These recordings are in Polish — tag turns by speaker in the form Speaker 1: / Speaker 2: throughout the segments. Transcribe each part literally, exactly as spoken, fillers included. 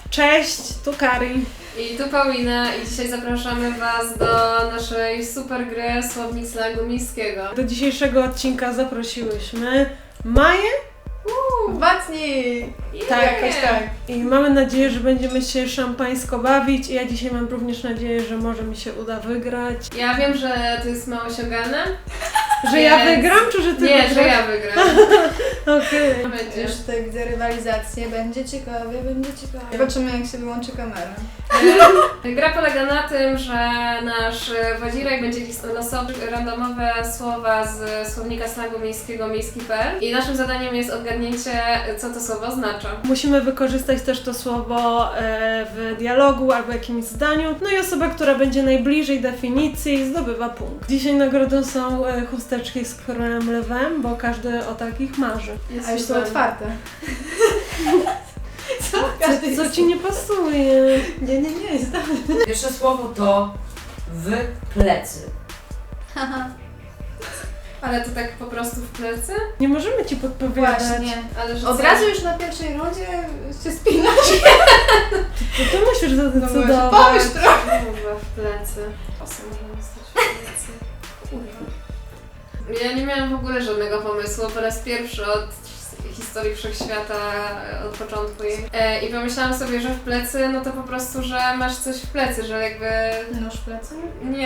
Speaker 1: Cześć, tu Kari.
Speaker 2: I tu Paulina i dzisiaj zapraszamy Was do naszej super gry Słownik Slangu Miejskiego.
Speaker 1: Do dzisiejszego odcinka zaprosiłyśmy Maję.
Speaker 3: Bacni!
Speaker 1: Tak,
Speaker 3: jakoś tak.
Speaker 1: I mamy nadzieję, że będziemy się szampańsko bawić. I ja dzisiaj mam również nadzieję, że może mi się uda wygrać.
Speaker 2: Ja wiem, że to jest mało osiągane.
Speaker 1: Że ja
Speaker 2: Więc-
Speaker 1: wygram, czy że ty
Speaker 2: Nie,
Speaker 1: wygrasz?
Speaker 2: że ja wygram.
Speaker 1: Okej.
Speaker 2: Będzie.
Speaker 3: Już tutaj widzę rywalizację, będzie ciekawie, będzie ciekawie. Zobaczymy, jak się wyłączy kamera.
Speaker 2: Gra polega na tym, że nasz wodzirek będzie losować randomowe słowa z słownika slangu miejskiego miejski kropka pe el i naszym zadaniem jest odgadnięcie, co to słowo oznacza.
Speaker 1: Musimy wykorzystać też to słowo e, w dialogu albo jakimś zdaniu. No i osoba, która będzie najbliżej definicji, zdobywa punkt. Dzisiaj nagrodą są e, chusteczki z królem lwem, bo każdy o takich marzy.
Speaker 2: Jest
Speaker 3: A już są
Speaker 2: super.
Speaker 3: otwarte. Co?
Speaker 1: Co, co ci nie pasuje?
Speaker 3: Nie, nie, nie, jest dobrze.
Speaker 4: Pierwsze słowo to w plecy.
Speaker 2: Ale to tak po prostu w plecy?
Speaker 1: Nie możemy ci podpowiadać.
Speaker 3: Właśnie.
Speaker 2: Ale że
Speaker 3: Od
Speaker 2: co?
Speaker 3: razu już na pierwszej rundzie się spinasz.
Speaker 1: To ty musisz
Speaker 3: No
Speaker 1: zadecydować.
Speaker 3: może pomyśl trochę.
Speaker 2: Kurwa, w plecy. Osy można stać w plecy. Kurwa. Ja nie miałam w ogóle żadnego pomysłu, po raz pierwszy od historii wszechświata, od początku jej. E, I pomyślałam sobie, że w plecy, no to po prostu, że masz coś w plecy, że jakby...
Speaker 3: Nóż w plecy?
Speaker 2: Nie,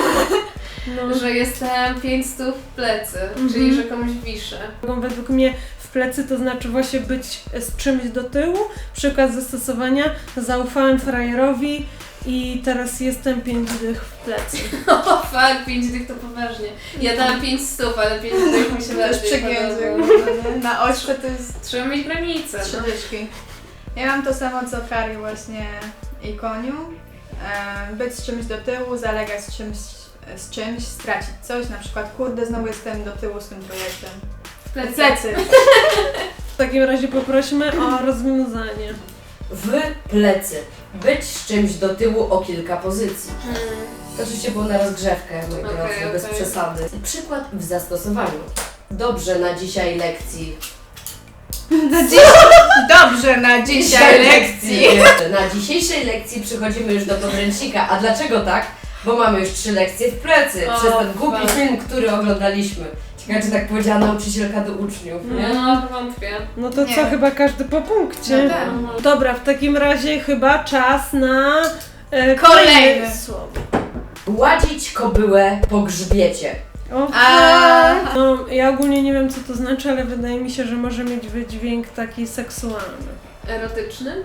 Speaker 1: No.
Speaker 2: że jestem pięć stóp w plecy,
Speaker 1: Mhm.
Speaker 2: czyli że komuś wiszę.
Speaker 1: Według mnie w plecy to znaczy właśnie być z czymś do tyłu. Przykład zastosowania: zaufałem frajerowi i teraz jestem pięć dych w plecy.
Speaker 2: O fuck, pięć dych to poważnie. Ja dałam pięć stóp, ale pięć dych mi się
Speaker 3: To już
Speaker 2: bardziej
Speaker 3: przegięzy.
Speaker 2: podoba.
Speaker 3: Na ośle to jest
Speaker 2: Trzeba mieć granicę.
Speaker 3: trzy
Speaker 2: No.
Speaker 3: dyszki. Ja mam to samo co Kari właśnie i koniu. E, być z czymś do tyłu, zalegać z czymś, z czymś, stracić coś. Na przykład, kurde, znowu jestem do tyłu z tym projektem.
Speaker 2: W plecy.
Speaker 3: Plecy.
Speaker 1: W takim razie poprośmy o rozwiązanie.
Speaker 4: W plecy. Być z czymś do tyłu o kilka pozycji.
Speaker 2: Hmm.
Speaker 4: To oczywiście było na rozgrzewkę, moi
Speaker 2: Okej,
Speaker 4: drodzy, bez
Speaker 2: okej.
Speaker 4: przesady. Przykład w zastosowaniu. Dobrze na dzisiaj lekcji.
Speaker 3: Na dziś... Dobrze, na dzisiaj lekcji.
Speaker 4: Na dzisiejszej lekcji przechodzimy już do podręcznika. A dlaczego tak? Bo mamy już trzy lekcje w plecy.
Speaker 2: O,
Speaker 4: Przez ten głupi
Speaker 2: fuck.
Speaker 4: film, który oglądaliśmy. Ciekawe, czy tak powiedziała nauczycielka do uczniów, nie?
Speaker 2: No, wątpię.
Speaker 1: No to
Speaker 3: Nie.
Speaker 1: co, chyba każdy po punkcie.
Speaker 3: No tak.
Speaker 2: Mhm.
Speaker 1: Dobra, w takim razie chyba czas na e,
Speaker 3: Kolejne.
Speaker 1: słowo.
Speaker 4: Gładzić kobyłę po grzbiecie.
Speaker 1: O,
Speaker 3: A.
Speaker 1: no, ja ogólnie nie wiem, co to znaczy, ale wydaje mi się, że może mieć wydźwięk taki seksualny.
Speaker 2: Erotyczny?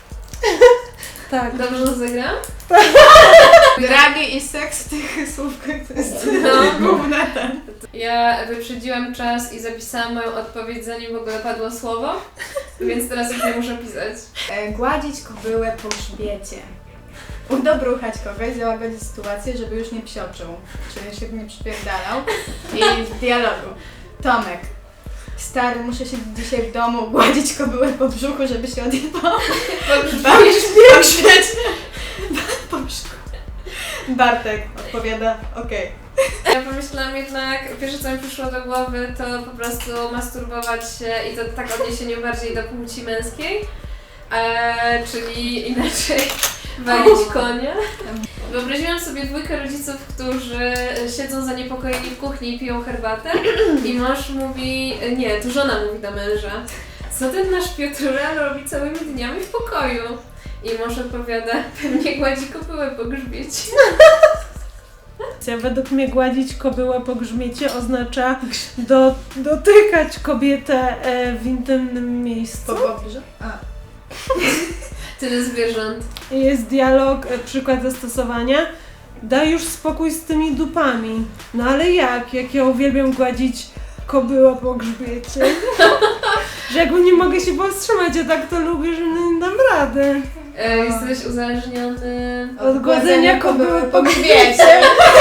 Speaker 1: Tak.
Speaker 2: Dobrze to zagram?
Speaker 3: Dragi i seks w tych słówkach to jest
Speaker 2: No.
Speaker 3: główne ten.
Speaker 2: Ja wyprzedziłam czas i zapisałam moją odpowiedź, zanim w ogóle padło słowo, więc teraz już nie muszę pisać.
Speaker 3: E, gładzić kobyłę po grzbiecie. Udobruchać kogoś, załagodzić sytuację, żeby już nie psioczył, czyli się nie przypierdalał. I w dialogu. Tomek. Stary, muszę się dzisiaj w domu gładzić kobyłę po brzuchu, żeby się odjebał.
Speaker 2: Po
Speaker 3: Po grzbiecie. Po brzuchu. Bartek odpowiada, okej.
Speaker 2: Ja pomyślałam jednak, pierwsze co mi przyszło do głowy to po prostu masturbować się i to tak w odniesieniu bardziej do płci męskiej, e, czyli inaczej walić konia. Wyobraziłam sobie dwójkę rodziców, którzy siedzą zaniepokojeni w kuchni i piją herbatę i mąż mówi, nie, to żona mówi do męża, co ten nasz Piotrural robi całymi dniami w pokoju? I mąż odpowiada, pewnie gładzi kobyłę po grzbiecie.
Speaker 1: Według mnie gładzić kobyłę po grzbiecie oznacza do, dotykać kobietę e, w intymnym miejscu.
Speaker 3: Po pobrze? A.
Speaker 2: Tyle zwierząt.
Speaker 1: Jest dialog, e, przykład zastosowania. Daj już spokój z tymi dupami. No ale jak? Jak ja uwielbiam gładzić kobyłę po grzbiecie. Że jakby nie mogę się powstrzymać, ja tak to lubię, że no nie dam rady.
Speaker 2: E, jesteś uzależniony...
Speaker 1: Od gładzenia kobyły po
Speaker 3: grzbiecie.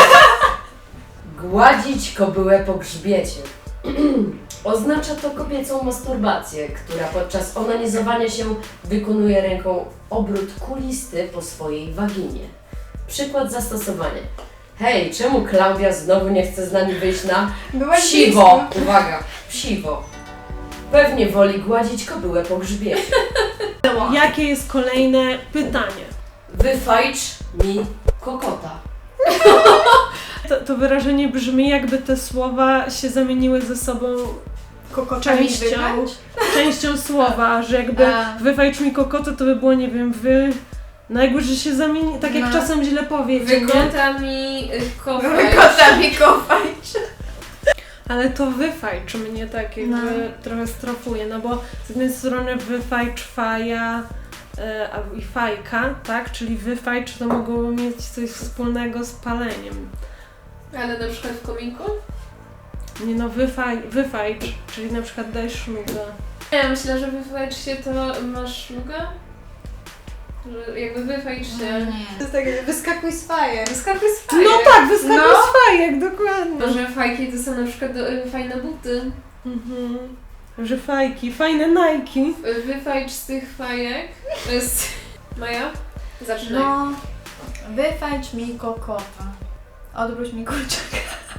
Speaker 4: Gładzić kobyłę po grzbiecie. Oznacza to kobiecą masturbację, która podczas onanizowania się wykonuje ręką obrót kulisty po swojej waginie. Przykład zastosowania. Hej, czemu Klaudia znowu nie chce z nami wyjść na
Speaker 3: Byłaś
Speaker 4: psiwo?
Speaker 3: blisko.
Speaker 4: Uwaga, psiwo. Pewnie woli gładzić kobyłę po grzbiecie.
Speaker 3: O.
Speaker 1: Jakie jest kolejne pytanie?
Speaker 4: Wyfajcz mi kokota.
Speaker 1: To, to wyrażenie brzmi, jakby te słowa się zamieniły ze sobą
Speaker 3: Kokotami
Speaker 1: częścią,
Speaker 3: wybrać?
Speaker 1: częścią słowa, że jakby
Speaker 3: A.
Speaker 1: wyfajcz mi kokotę, to by było, nie wiem, wy... No jakby, że się zamieni... Tak jak
Speaker 3: No.
Speaker 1: czasem źle powiedzieć, nie?
Speaker 2: Wykota mi y, kofę.
Speaker 3: Kokotami kopać.
Speaker 1: Ale to wyfajcz mnie tak jakby
Speaker 3: No.
Speaker 1: trochę strofuje, no bo z jednej strony wyfajcz faja e, a- i fajka, tak? Czyli wyfajcz to mogło mieć coś wspólnego z paleniem.
Speaker 2: Ale na przykład w kominku?
Speaker 1: Nie no, wyfaj, wyfajcz, czyli na przykład daj szlugę.
Speaker 2: Ja myślę, że wyfajcz się to masz szluga? Że jakby wyfajcz się.
Speaker 3: Nie. To jest tak, jak wyskakuj z fajem.
Speaker 2: Wyskakuj z fajek.
Speaker 1: No tak, wyskakuj
Speaker 3: No.
Speaker 1: z fajek, dokładnie.
Speaker 2: Może fajki to są na przykład do, y, fajne buty.
Speaker 1: Mhm. Że fajki, fajne Nike.
Speaker 2: Y, Wyfajcz z tych fajek. To jest... Maja? Zaczynaj.
Speaker 3: No, wyfajcz mi kokota. Odwróć mi kurczaka.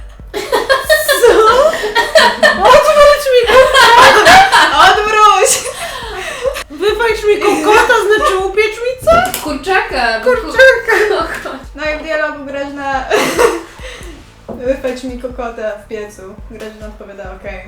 Speaker 1: Odwróć mi,
Speaker 3: Odwróć!
Speaker 1: wyfajcz mi kokota, znaczy upiecz mi co?
Speaker 2: Kurczaka! bo
Speaker 1: Kurczaka.
Speaker 3: No i w dialogu Grażyna... Wyfajcz mi kokota w piecu. Grażyna odpowiada okej.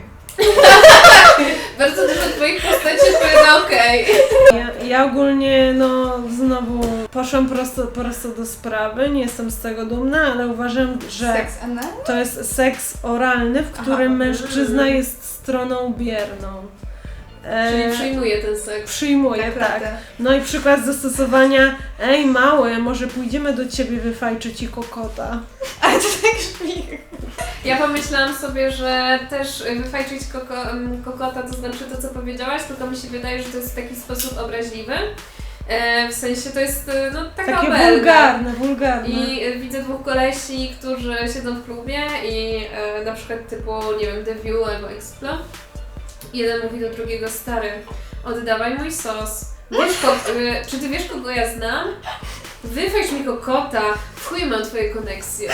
Speaker 2: Bardzo dużo twoich postaci odpowiada okej.
Speaker 1: Ja, ja ogólnie, no znowu poszłam prosto, prosto do sprawy, nie jestem z tego dumna, ale uważam, że
Speaker 3: Seks anal?
Speaker 1: to jest seks oralny, w którym
Speaker 3: Aha.
Speaker 1: mężczyzna jest stroną bierną. E,
Speaker 2: Czyli przyjmuje ten seks.
Speaker 1: Przyjmuje, tak.
Speaker 3: Naprawdę.
Speaker 1: No i przykład zastosowania, ej mały, może pójdziemy do ciebie wyfajczyć ci kokota.
Speaker 3: Ale to tak brzmi.
Speaker 2: Ja pomyślałam sobie, że też wyfajczyć koko, em, kokota, to znaczy to, co powiedziałaś, tylko mi się wydaje, że to jest w taki sposób obraźliwy. E, w sensie to jest e, no, taka
Speaker 1: Takie
Speaker 2: obelga.
Speaker 1: wulgarne, wulgarne.
Speaker 2: I e, widzę dwóch kolesi, którzy siedzą w klubie i e, na przykład typu, nie wiem, The View albo Explo. Jeden mówi do drugiego, stary, oddawaj mój sos. Wiesz, ko- e, czy ty wiesz, kogo ja znam? Wyfajcz mi kokota, w chuj mam twoje koneksje.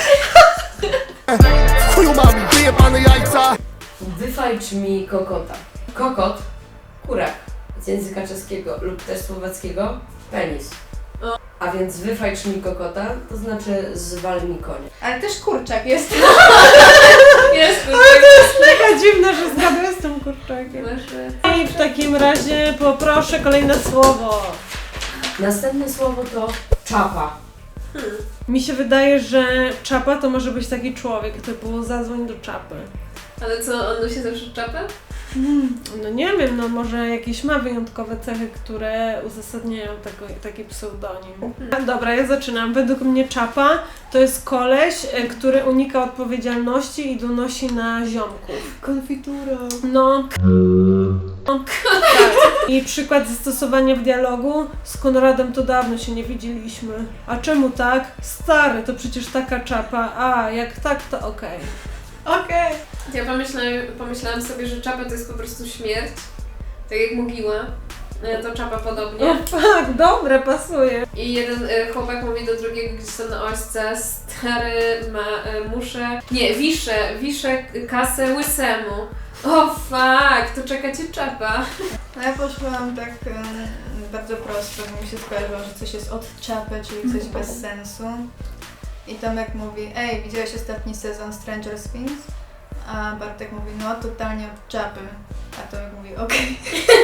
Speaker 5: Chuju mam, wyjebane jajca!
Speaker 4: Wyfajcz mi kokota. Kokot, kurak z języka czeskiego lub też słowackiego, penis.
Speaker 2: O.
Speaker 4: A więc wyfajcz mi kokota, to znaczy zwal mi konia.
Speaker 3: Ale też kurczak jest.
Speaker 2: Jest,
Speaker 1: Taka dziwna, że zgaduję z tym kurczakiem.
Speaker 2: masz rację.
Speaker 1: I w takim razie poproszę kolejne słowo.
Speaker 4: Następne słowo to czapa.
Speaker 1: Mi się wydaje, że czapa to może być taki człowiek, typu zadzwoń do czapy.
Speaker 2: Ale co, on nosi zawsze czapę?
Speaker 1: No nie wiem, no może jakieś ma wyjątkowe cechy, które uzasadniają tego, taki pseudonim. Dobra, ja zaczynam. Według mnie czapa to jest koleś, e, który unika odpowiedzialności i donosi na ziomków.
Speaker 3: Konfitura.
Speaker 1: No. No, tak. I przykład zastosowania w dialogu. Z Konradem to dawno się nie widzieliśmy. A czemu tak? Stary, to przecież taka czapa. A, jak tak, to okej.
Speaker 3: Okej.
Speaker 2: Ja pomyślałam, pomyślałam sobie, że czapa to jest po prostu śmierć. Tak jak mogiła. E, To czapa podobnie.
Speaker 1: O tak, dobre, pasuje.
Speaker 2: I jeden e, chłopak mówi do drugiego gdzieś tam na ośce, stary, ma, e, muszę... Nie, wiszę, wiszę kasę łysemu. O fuck, to czeka cię czapa.
Speaker 3: No ja poszłam tak em, bardzo prosto, bo mi się skojarzyło, że coś jest od czapy, czyli coś bez sensu. I Tomek mówi, ej, widziałeś ostatni sezon Stranger Things? A Bartek mówi, no totalnie od czapy. A Tomek mówi, okej.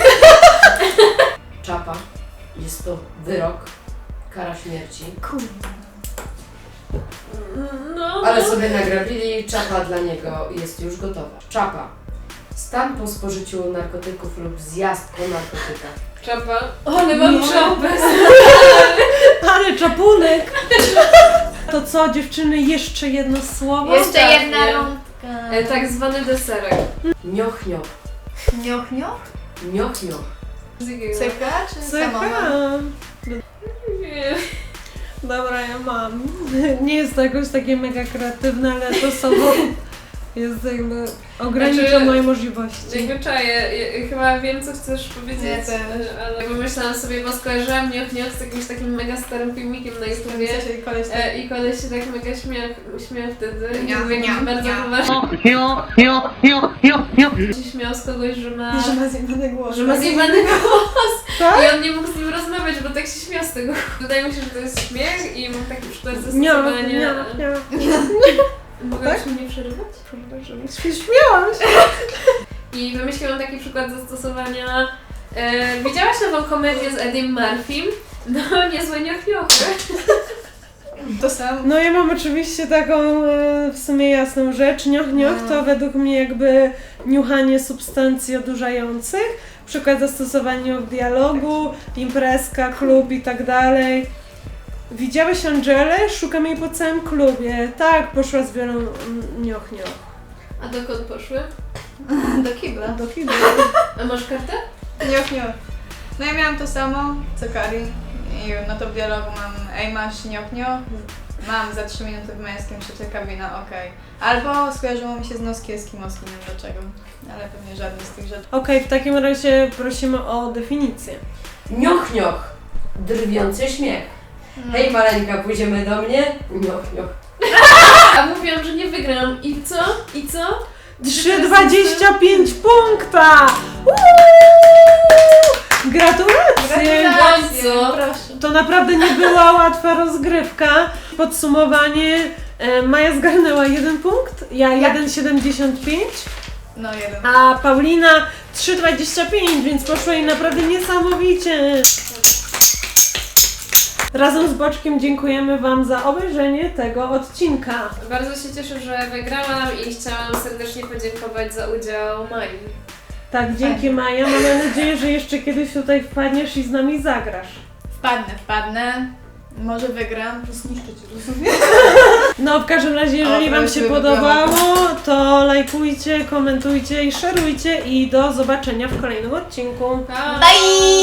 Speaker 4: Czapa. Jest to wyrok, kara śmierci.
Speaker 3: Kurde.
Speaker 2: No,
Speaker 4: Ale
Speaker 2: no.
Speaker 4: sobie nagrabili, czapa dla niego jest już gotowa. Czapa. Stan po spożyciu narkotyków lub zjazd po narkotykach.
Speaker 2: Czapa. Ale mam
Speaker 1: Nie.
Speaker 2: czapę.
Speaker 1: Ale czapunek! To co, dziewczyny, jeszcze jedno słowo?
Speaker 3: Jeszcze
Speaker 2: Ostatnie.
Speaker 3: jedna rąbka.
Speaker 2: E, Tak zwany deserek.
Speaker 4: Nioch, nioch.
Speaker 3: Nioch, nioch?
Speaker 4: Nioch, nioch.
Speaker 2: Z jakiego?
Speaker 3: Cyka czy
Speaker 1: Cyka.
Speaker 3: samoma?
Speaker 2: Nie.
Speaker 1: Dobra, ja mam. Nie jest to jakoś takie mega kreatywne, ale to słowo jest jakby ogranicza
Speaker 2: Znaczy,
Speaker 1: moje możliwości.
Speaker 2: Jakby czaję, ja, chyba wiem co chcesz powiedzieć,
Speaker 3: Ja też.
Speaker 2: ale pomyślałam sobie, bo skojarzyłam Nioch Nioch z jakimś takim mega starym filmikiem na YouTubie.
Speaker 3: Czyli koleś tak...
Speaker 2: E, I koleś się tak mega śmiał, śmiał wtedy i
Speaker 3: Nioch,
Speaker 2: był jakiś
Speaker 3: nioch,
Speaker 2: bardzo
Speaker 3: nioch.
Speaker 2: poważny. Się śmiał z kogoś, że ma,
Speaker 3: Że ma zjebany głos.
Speaker 2: że ma zjebany głos
Speaker 1: Tak?
Speaker 2: i on nie mógł z nim być, bo tak się śmiał z tego. Wydaje mi się, że to jest śmiech i mam taki przykład
Speaker 1: Nie,
Speaker 2: zastosowania.
Speaker 1: nie, nie.
Speaker 2: Mogłaś
Speaker 1: Tak?
Speaker 2: mnie przerywać?
Speaker 1: Przepraszam, się śmiałam się.
Speaker 2: I wymyśliłam taki przykład zastosowania. E, widziałaś nową komedię z Eddiem Murphym? No, niezłe niochniochry.
Speaker 3: To samo.
Speaker 1: No ja mam oczywiście taką e, w sumie jasną rzecz. Nioch, nioch to według mnie jakby niuchanie substancji odurzających. Przykład zastosowania w dialogu, imprezka, klub i tak dalej. Widziałeś Angelę? Szukam jej po całym klubie. Tak, poszła z wielą mm, nioch, nioch.
Speaker 2: A dokąd poszły?
Speaker 3: Do kibla.
Speaker 1: Do kibla.
Speaker 2: A masz kartę?
Speaker 3: Nioch, nioch. No ja miałam to samo, co Karin. I no to w dialogu mam ej masz nioch, nioch. Mam za trzy minuty w męskim, trzecia kabina, okej. Albo skojarzyło mi się z noski eskimoskim, nie wiem dlaczego. Ale pewnie żadnej z tych rzeczy.
Speaker 1: Okej, w takim razie prosimy o definicję.
Speaker 4: Nioch, nioch. Drwiący śmiech. Hej maleńka, pójdziemy do mnie? Nioch, nioch.
Speaker 2: A mówiłam, że nie wygram. I co? I co?
Speaker 1: trzy dwadzieścia pięć punkta! Uuu! Gratulacje!
Speaker 2: Bardzo.
Speaker 3: Proszę.
Speaker 1: To naprawdę nie była łatwa rozgrywka. Podsumowanie. e, Maja zgarnęła jeden punkt, ja jeden siedemdziesiąt pięć,
Speaker 3: No jeden.
Speaker 1: a Paulina trzy dwadzieścia pięć, więc poszło jej naprawdę niesamowicie. Razem z Boczkiem dziękujemy Wam za obejrzenie tego odcinka.
Speaker 2: Bardzo się cieszę, że wygrałam i chciałam serdecznie podziękować za udział Mai.
Speaker 1: Tak, dzięki Maja. Mamy nadzieję, że jeszcze kiedyś tutaj wpadniesz i z nami zagrasz.
Speaker 3: Wpadnę, wpadnę. Może wygram. Zniszczę cię, rozumiem?
Speaker 1: No w każdym razie, jeżeli
Speaker 3: O,
Speaker 1: Wam
Speaker 3: prawie
Speaker 1: się
Speaker 3: by
Speaker 1: podobało, to lajkujcie, komentujcie i szerujcie i do zobaczenia w kolejnym odcinku.
Speaker 2: Pa!
Speaker 3: Bye!